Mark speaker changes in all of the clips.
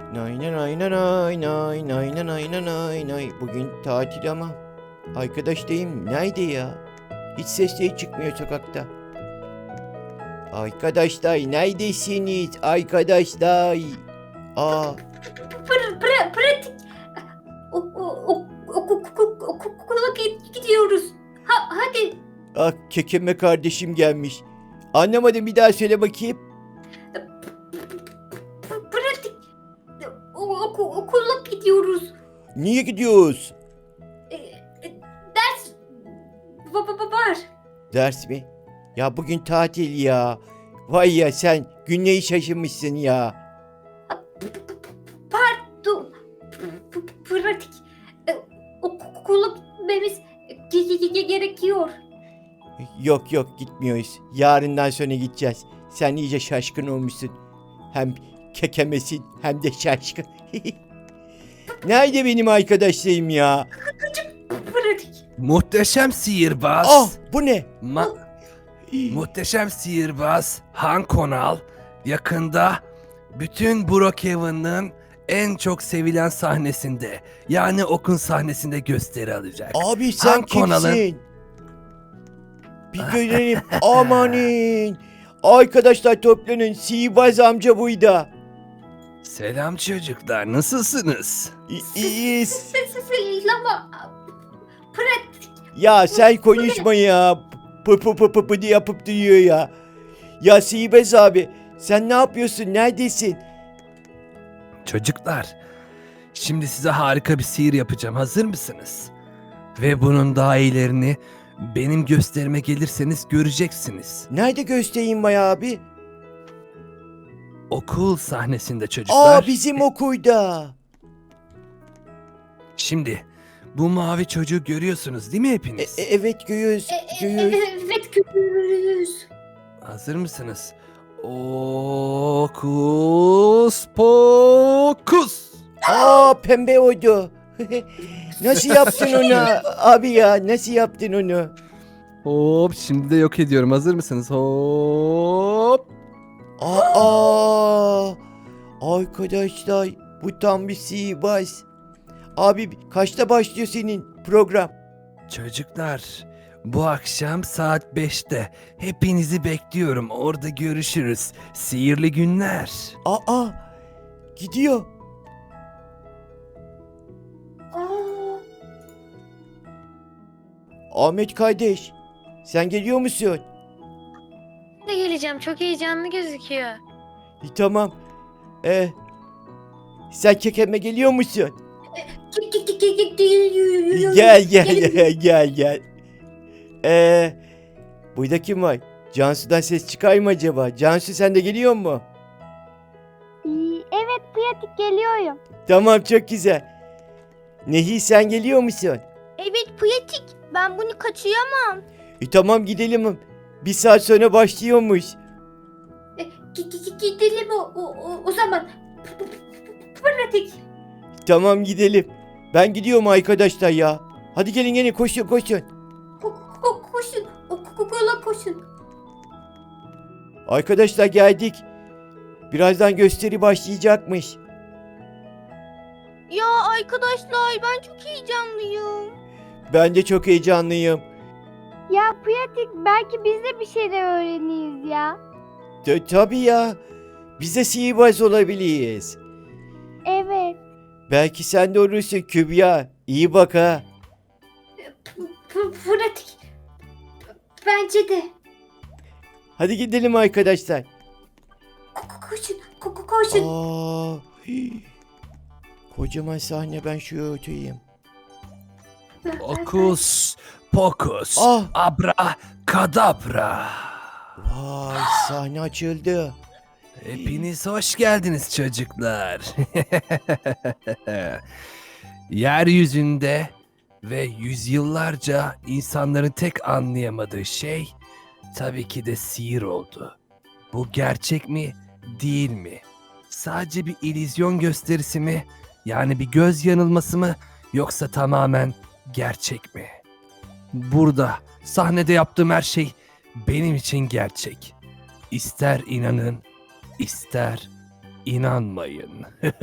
Speaker 1: Nay nay nay nay nay nay nay nay nay nay nay. Bugün tatil ama arkadaşlayım nerede ya? Hiç sesleri çıkmıyor sokakta. Arkadaşlar neredesiniz arkadaşlar? Aa,
Speaker 2: Pratik. Okula gidiyoruz. Hadi.
Speaker 1: kekeme kardeşim gelmiş. Anlamadım, bir daha söyle bakayım.
Speaker 2: Pratik. Okula gidiyoruz.
Speaker 1: Niye gidiyoruz?
Speaker 2: Ders var.
Speaker 1: Ders mi? Ya bugün tatil ya. Vay ya, sen günleri şaşırmışsın ya.
Speaker 2: Pardon. Pratik. Okula gitmemiz gerekiyor.
Speaker 1: Yok yok, gitmiyoruz. Yarından sonra gideceğiz. Sen iyice şaşkın olmuşsun. Hem kekemesin hem de şaşkın. Nerede benim arkadaşlarım ya?
Speaker 2: Pratik.
Speaker 3: Muhteşem sihirbaz.
Speaker 1: Ah, bu ne?
Speaker 3: Muhteşem sihirbaz Han Konal yakında bütün Brookhaven'ın en çok sevilen sahnesinde, yani Okun sahnesinde gösteri alacak.
Speaker 1: Abi sen
Speaker 3: Han Konal'ın-
Speaker 1: kimsin? Bir görelim. Amanin. Arkadaşlar toplanın. Sihirbaz amca buydu.
Speaker 3: Selam çocuklar, nasılsınız?
Speaker 1: İyiyiz.
Speaker 2: Seslama. Pratik.
Speaker 1: Ya sen konuşma ya. Pı diye yapıp duruyor ya. Ya Sihirbaz abi, sen ne yapıyorsun? Neredesin?
Speaker 3: Çocuklar, şimdi size harika bir sihir yapacağım. Hazır mısınız? Ve bunun daha iyilerini benim gösterime gelirseniz göreceksiniz.
Speaker 1: Nerede göstereyim Maya abi?
Speaker 3: Okul sahnesinde çocuklar.
Speaker 1: Aa, bizim okulda.
Speaker 3: Şimdi bu mavi çocuğu görüyorsunuz değil mi hepiniz?
Speaker 1: Evet, görüyoruz. Görüyoruz.
Speaker 2: Evet görürüz.
Speaker 3: Hazır mısınız? Okus pokus.
Speaker 1: Aa, pembe oldu. Nasıl yaptın onu abi ya? Nasıl yaptın onu?
Speaker 3: Hop, şimdi de yok ediyorum. Hazır mısınız? Hop.
Speaker 1: Aa, arkadaşlar bu tam bir sihirbaz. Abi kaçta başlıyor senin program?
Speaker 3: Çocuklar, bu akşam saat 5'te hepinizi bekliyorum. Orada görüşürüz. Sihirli günler.
Speaker 1: Aa, gidiyor. Ahmet kardeş, sen geliyor musun?
Speaker 4: de geleceğim. Çok heyecanlı gözüküyor.
Speaker 1: Tamam. Sen kekeme geliyor musun? Gel gel. Burada kim var? Cansu'dan ses çıkar mı acaba? Cansu, sen de geliyor mu?
Speaker 5: Evet Pratik, geliyorum.
Speaker 1: Tamam, çok güzel. Nehir, sen geliyor musun?
Speaker 5: Evet Pratik, ben bunu kaçıyamam.
Speaker 1: Tamam, gidelim. Bir saat sonra başlıyormuş.
Speaker 2: Gidelim o zaman. Pratik.
Speaker 1: Tamam, gidelim. Ben gidiyorum arkadaşlar ya. Hadi gelin koşun.
Speaker 2: Koşun. Okula koşun.
Speaker 1: Arkadaşlar geldik. Birazdan gösteri başlayacakmış.
Speaker 5: Ya arkadaşlar, ben çok heyecanlıyım.
Speaker 1: Ben de çok heyecanlıyım.
Speaker 5: Ya Pratik, belki biz de bir şeyler öğreniriz ya.
Speaker 1: Tabii ya. Biz de sihirbaz olabiliriz.
Speaker 5: Evet.
Speaker 1: Belki sen de olursun Kübra. İyi bak ha.
Speaker 2: Pratik. Bence de.
Speaker 1: Hadi gidelim arkadaşlar.
Speaker 2: Koşun.
Speaker 1: Aa, kocaman sahne, ben şuraya oturayım.
Speaker 3: Okus pokus.
Speaker 1: Ah.
Speaker 3: Abra kadabra.
Speaker 1: Vay, sahne açıldı.
Speaker 3: Hepiniz hoş geldiniz çocuklar. Yeryüzünde ve yüzyıllarca insanların tek anlayamadığı şey tabii ki de sihir oldu. Bu gerçek mi, değil mi? Sadece bir illüzyon gösterisi mi? Yani bir göz yanılması mı? Yoksa tamamen gerçek mi? Burada sahnede yaptığım her şey benim için gerçek. İster inanın, İster inanmayın.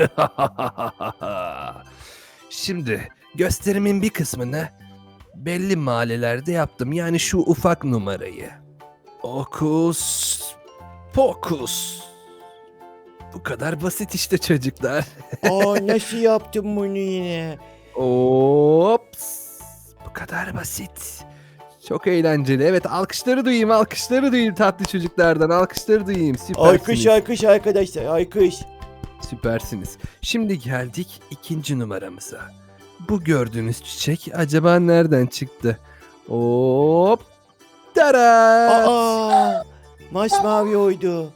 Speaker 3: Şimdi gösterimin bir kısmını belli mahallelerde yaptım. Yani şu ufak numarayı. Okus pokus. Bu kadar basit işte çocuklar.
Speaker 1: Aa, nasıl yaptın bunu yine?
Speaker 3: Ops. Bu kadar basit. Çok eğlenceli. Evet, alkışları duyayım, alkışları duyayım tatlı çocuklardan. Alkışları duyayım. Süpersiniz.
Speaker 1: Alkış alkış arkadaşlar, alkış.
Speaker 3: Süpersiniz. Şimdi geldik ikinci numaramıza. Bu gördüğünüz çiçek acaba nereden çıktı? Hop. Tarat.
Speaker 1: Aa, masmavi oydu.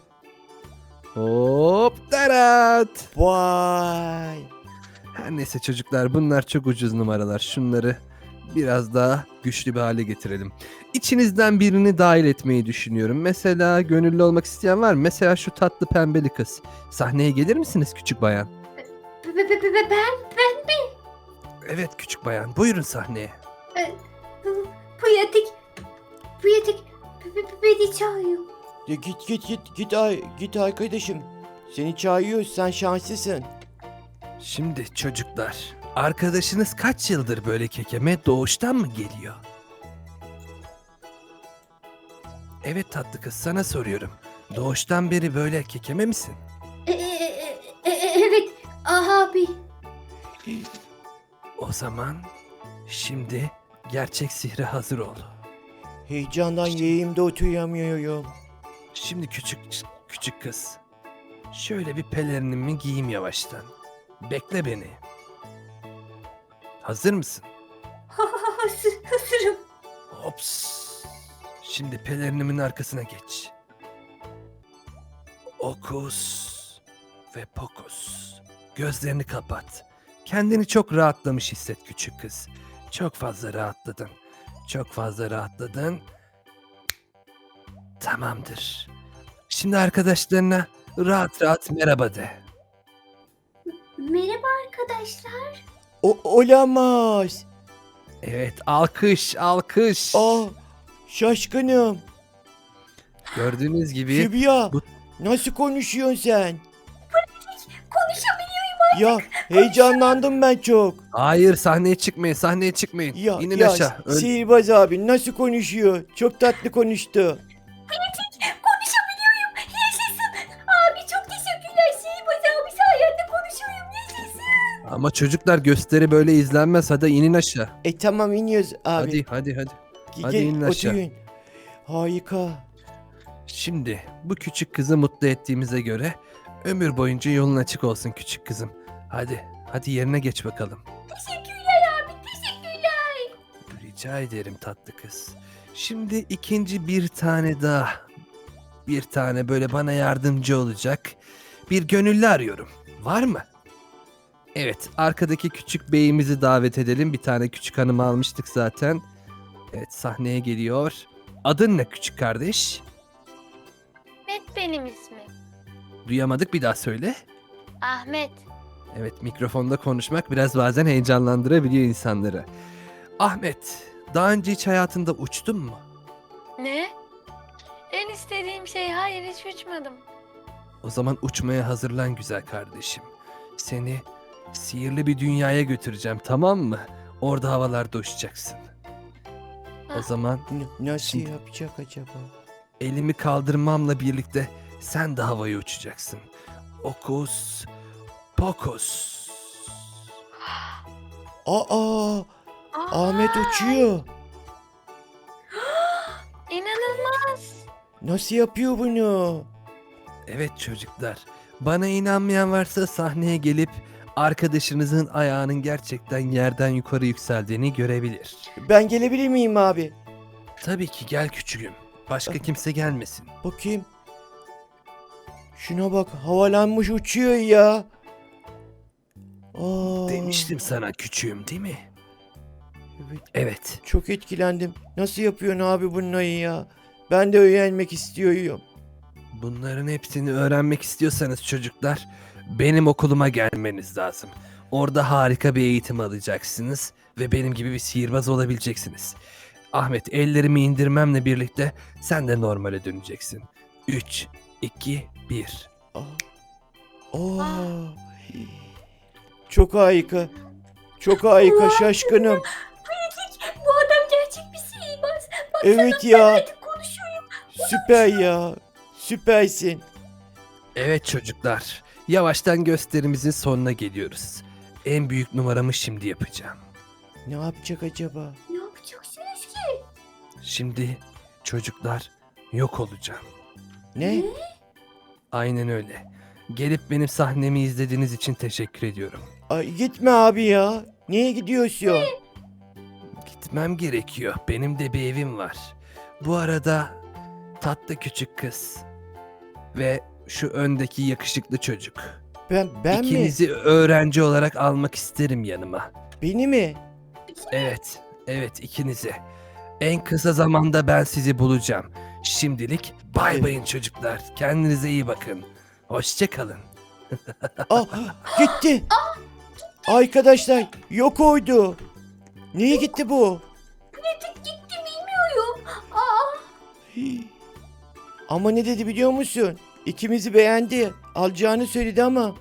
Speaker 3: Hop. Tarat.
Speaker 1: Vay.
Speaker 3: Her neyse çocuklar, bunlar çok ucuz numaralar. Şunları biraz daha güçlü bir hale getirelim. İçinizden birini dahil etmeyi düşünüyorum. Mesela gönüllü olmak isteyen var mı? Mesela şu tatlı pembeli kız. Sahneye gelir misiniz küçük bayan?
Speaker 2: Ben
Speaker 3: Evet küçük bayan. Buyurun sahneye.
Speaker 2: Pratik. Beni çağırıyor.
Speaker 1: Ya git arkadaşım. Seni çağırıyoruz, sen şanslısın.
Speaker 3: Şimdi çocuklar, arkadaşınız kaç yıldır böyle kekeme, doğuştan mı geliyor? Evet tatlı kız, sana soruyorum. Doğuştan beri böyle kekeme misin?
Speaker 2: Evet. Abi.
Speaker 3: O zaman şimdi gerçek sihre hazır ol.
Speaker 1: Heyecandan yeğimde oturamıyorum.
Speaker 3: Şimdi küçük kız. Şöyle bir pelerinimi giyeyim yavaştan. Bekle beni. Hazır mısın?
Speaker 2: Hazırım.
Speaker 3: Ops. Şimdi pelerinimin arkasına geç. Okus ve pokus. Gözlerini kapat. Kendini çok rahatlamış hisset küçük kız. Çok fazla rahatladın. Çok fazla rahatladın. Tamamdır. Şimdi arkadaşlarına rahat rahat merhaba de.
Speaker 2: Merhaba arkadaşlar.
Speaker 1: Olamaz.
Speaker 3: Evet, alkış, alkış.
Speaker 1: Aa, şaşkınım.
Speaker 3: Gördüğünüz gibi
Speaker 1: Kübra,
Speaker 3: bu-
Speaker 1: nasıl konuşuyorsun sen?
Speaker 2: Konuşabiliyorum.
Speaker 1: Ya heyecanlandım ben çok.
Speaker 3: hayır, sahneye çıkmayın, sahneye çıkmayın.
Speaker 1: Ya,
Speaker 3: İnin
Speaker 1: ya
Speaker 3: aşağı.
Speaker 1: sihirbaz abi nasıl konuşuyor? Çok tatlı konuştu.
Speaker 2: Konuşabiliyorum. Yaşasın. Abi çok teşekkürler. Sihirbaz abi sayende konuşuyorum. Yaşasın.
Speaker 3: Ama çocuklar, gösteri böyle izlenmez. Hadi inin aşağı.
Speaker 1: Tamam iniyoruz abi.
Speaker 3: Hadi.
Speaker 1: Gel,
Speaker 3: hadi inin aşağı.
Speaker 1: oturun. Harika.
Speaker 3: Şimdi bu küçük kızı mutlu ettiğimize göre ömür boyunca yolun açık olsun küçük kızım. Hadi yerine geç bakalım.
Speaker 2: Teşekkürler abi. Teşekkürler.
Speaker 3: Rica ederim tatlı kız. Şimdi ikinci bir tane daha. Bir tane böyle bana yardımcı olacak bir gönüllü arıyorum. Var mı? Evet, arkadaki küçük beyimizi davet edelim. Bir tane küçük hanımı almıştık zaten. Evet, sahneye geliyor. Adın ne küçük kardeş?
Speaker 4: Ahmet benim ismim.
Speaker 3: Duyamadık, bir daha söyle.
Speaker 4: Ahmet.
Speaker 3: Evet, mikrofonda konuşmak biraz bazen heyecanlandırabiliyor insanları. Ahmet, daha önce hiç hayatında uçtun mu?
Speaker 4: Ne? En istediğim şey, hayır hiç uçmadım.
Speaker 3: O zaman uçmaya hazırlan güzel kardeşim. Seni sihirli bir dünyaya götüreceğim, tamam mı? Orada havalarda uçacaksın. O
Speaker 4: Ah.
Speaker 3: zaman
Speaker 1: Nasıl
Speaker 3: Şimdi-
Speaker 1: yapacak acaba?
Speaker 3: elimi kaldırmamla birlikte sen de havaya uçacaksın. Okus pokus.
Speaker 1: Aa, Ahmet uçuyor.
Speaker 4: İnanılmaz.
Speaker 1: Nasıl yapıyor bunu?
Speaker 3: Evet çocuklar, bana inanmayan varsa sahneye gelip arkadaşınızın ayağının gerçekten yerden yukarı yükseldiğini görebilir.
Speaker 1: Ben gelebilir miyim abi?
Speaker 3: Tabii ki, gel küçüğüm. Başka kimse gelmesin.
Speaker 1: Bakayım. Şuna bak, havalanmış uçuyor ya. Aa,
Speaker 3: Demiştim sana küçüğüm, değil mi?
Speaker 1: Evet,
Speaker 3: Evet.
Speaker 1: çok etkilendim. Nasıl yapıyorsun abi bunları ya? Ben de öğrenmek istiyorum.
Speaker 3: Bunların hepsini öğrenmek istiyorsanız çocuklar, benim okuluma gelmeniz lazım. Orada harika bir eğitim alacaksınız ve benim gibi bir sihirbaz olabileceksiniz. Ahmet, ellerimi indirmemle birlikte sen de normale döneceksin. 3, 2, 1.
Speaker 1: Aa, Oo. Çok harika. Çok harika şaşkınım.
Speaker 2: Bu adam gerçek bir sihirbaz. Bak
Speaker 1: Evet ya.
Speaker 2: artık konuşuyorum.
Speaker 1: Süper ya. Süpersin.
Speaker 3: Evet çocuklar, yavaştan gösterimizin sonuna geliyoruz. En büyük numaramı şimdi yapacağım.
Speaker 1: Ne yapacak acaba?
Speaker 2: Ne yapacaksınız ki?
Speaker 3: Şimdi çocuklar yok olacağım.
Speaker 1: Ne?
Speaker 3: Aynen öyle. Gelip benim sahnemi izlediğiniz için teşekkür ediyorum.
Speaker 1: Ay, gitme abi ya. Niye gidiyorsun?
Speaker 3: Gitmem gerekiyor. Benim de bir evim var. Bu arada tatlı küçük kız ve şu öndeki yakışıklı çocuk.
Speaker 1: Ben mi?
Speaker 3: İkinizi öğrenci olarak almak isterim yanıma.
Speaker 1: Beni mi?
Speaker 3: Evet ikinizi. En kısa zamanda ben sizi bulacağım. Şimdilik bay bayın çocuklar. Kendinize iyi bakın. Hoşça kalın.
Speaker 1: Ah, gitti. Arkadaşlar yok oydu. Niye gitti bu?
Speaker 2: Pratik gitti bilmiyorum. Aa,
Speaker 1: Hii. Ama ne dedi biliyor musun? İkimizi beğendi. Alacağını söyledi ama.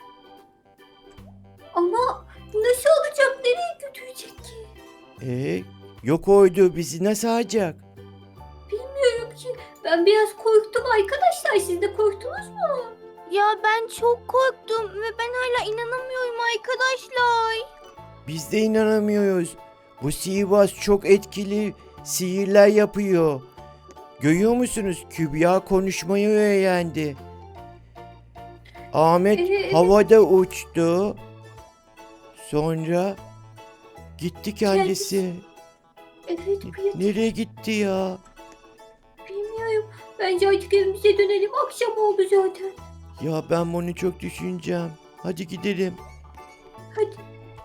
Speaker 2: ama nasıl olacak? Nereye götürecek ki?
Speaker 1: Yok oydu. Bizi nasıl alacak?
Speaker 2: Bilmiyorum ki. Ben biraz korktum arkadaşlar. Siz de korktunuz mu?
Speaker 5: Ya ben çok korktum ve ben hala inanamıyorum arkadaşlar.
Speaker 1: Biz de inanamıyoruz. Bu sihirbaz çok etkili sihirler yapıyor. Görüyor musunuz? Kübra konuşmayı öğrendi. Ahmet
Speaker 2: Evet.
Speaker 1: havada uçtu. Sonra gitti kendisi.
Speaker 2: Evet pratik.
Speaker 1: Nereye gitti ya?
Speaker 2: Bilmiyorum. Bence artık evimize dönelim. Akşam oldu zaten.
Speaker 1: Ya ben bunu çok düşüneceğim. Hadi gidelim.
Speaker 2: Hadi.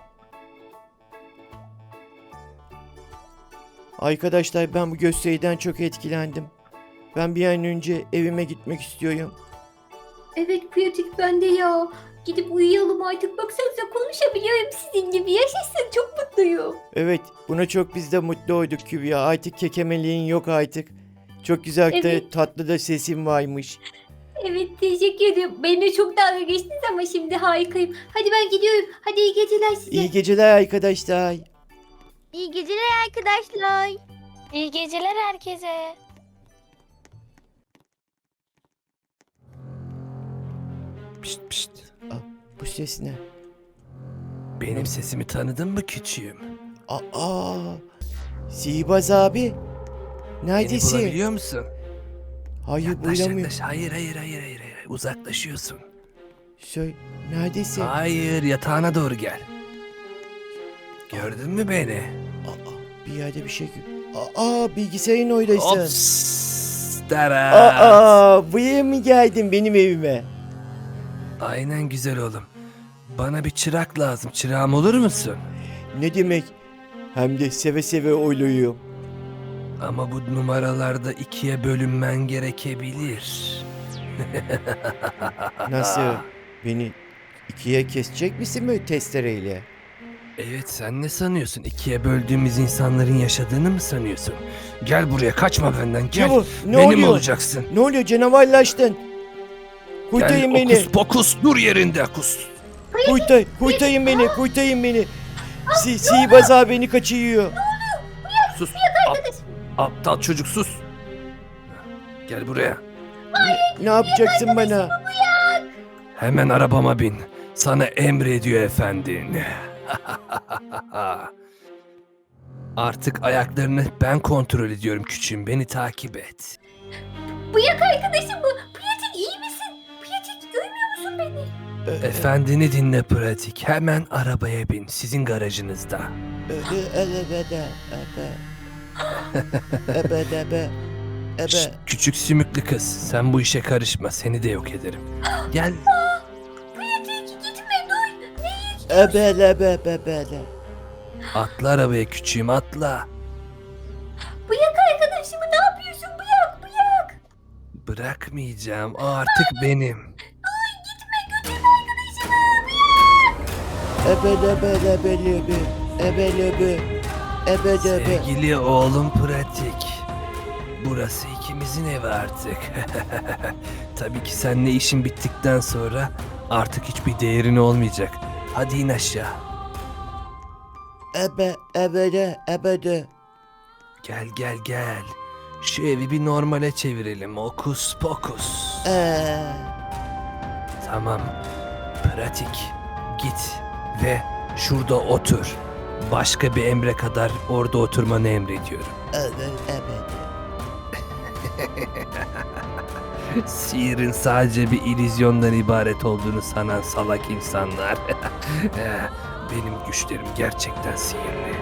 Speaker 1: Arkadaşlar ben bu gösteriden çok etkilendim. Ben bir an önce evime gitmek istiyorum.
Speaker 2: Evet pratik ben de ya. Gidip uyuyalım artık. Baksanıza konuşabiliyorum sizin gibi. Yaşasın çok mutluyum.
Speaker 1: Evet, buna çok biz de mutlu olduk Kübra. Artık kekemeliğin yok artık. Çok güzel de
Speaker 2: Evet.
Speaker 1: tatlı da sesin varmış.
Speaker 2: Evet teşekkür ederim. Benimle çok dalga geçtiniz ama şimdi harikayım. Hadi ben gidiyorum. Hadi iyi geceler size.
Speaker 1: İyi geceler arkadaşlar.
Speaker 5: İyi geceler arkadaşlar.
Speaker 4: İyi geceler herkese.
Speaker 3: Pişt pişt.
Speaker 1: Bu ses ne?
Speaker 3: Benim sesimi tanıdın mı küçüğüm?
Speaker 1: Aa, Sihirbaz abi.
Speaker 3: Beni
Speaker 1: Neredesin?
Speaker 3: bulabiliyor musun?
Speaker 1: Hayır
Speaker 3: Yaklaş
Speaker 1: bulamıyorum.
Speaker 3: yaklaş. Hayır. Uzaklaşıyorsun.
Speaker 1: Neredesin?
Speaker 3: Hayır yatağına doğru gel. Gördün mü beni?
Speaker 1: Bir yerde bir şey bilgisayarın oradasın.
Speaker 3: Ops. Tarat.
Speaker 1: Buraya mı geldin benim evime?
Speaker 3: Aynen güzel oğlum. Bana bir çırak lazım. Çırağım olur musun?
Speaker 1: Ne demek? Hem de seve seve oyluyorum.
Speaker 3: Ama bu numaralarda ikiye bölünmen gerekebilir.
Speaker 1: Nasıl? Beni ikiye kesecek misin böyle testereyle?
Speaker 3: Evet sen ne sanıyorsun? İkiye böldüğümüz insanların yaşadığını mı sanıyorsun? Gel buraya kaçma benden gel.
Speaker 1: Ne bu? Ne
Speaker 3: Benim
Speaker 1: oluyor?
Speaker 3: olacaksın.
Speaker 1: Ne oluyor? Canavarlaştın. Kurtarın
Speaker 3: Gel
Speaker 1: beni.
Speaker 3: okus pokus dur yerinde kus.
Speaker 1: Kurtarın beni. Kurtarın beni. Sihirbaz abi beni kaçırıyor.
Speaker 3: Sus. Aptal çocuk sus. Gel buraya.
Speaker 1: Ne yapacaksın bana?
Speaker 3: Hemen arabama bin. Sana emrediyor efendin. Artık ayaklarını ben kontrol ediyorum küçüğüm. Beni takip et.
Speaker 2: Bıyak arkadaşım bu. Pratik iyi misin? Pratik görmüyor musun beni?
Speaker 3: Efendini dinle pratik. Hemen arabaya bin. Sizin garajınızda. Şşt, küçük sümüklü kız. Sen bu işe karışma. Seni de yok ederim. Gel.
Speaker 2: Pratik gitme dur. Neyi?
Speaker 3: Atla arabaya küçüğüm atla.
Speaker 2: Bıyak arkadaşımı ne yapıyorsun? Bıyak.
Speaker 3: Bırakmayacağım. O artık benim. Sevgili oğlum pratik. Burası ikimizin evi artık. Tabii ki seninle işin bittikten sonra artık hiçbir değerin olmayacak. Hadi in aşağı.
Speaker 1: Ebede.
Speaker 3: Gel gel gel. Şu evi bir normale çevirelim. Hokus pokus. Tamam. Pratik. Git ve şurada otur. Başka bir emre kadar orada oturmanı emrediyorum. Sihirin sadece bir illüzyondan ibaret olduğunu sanan salak insanlar. Benim güçlerim gerçekten sihirli.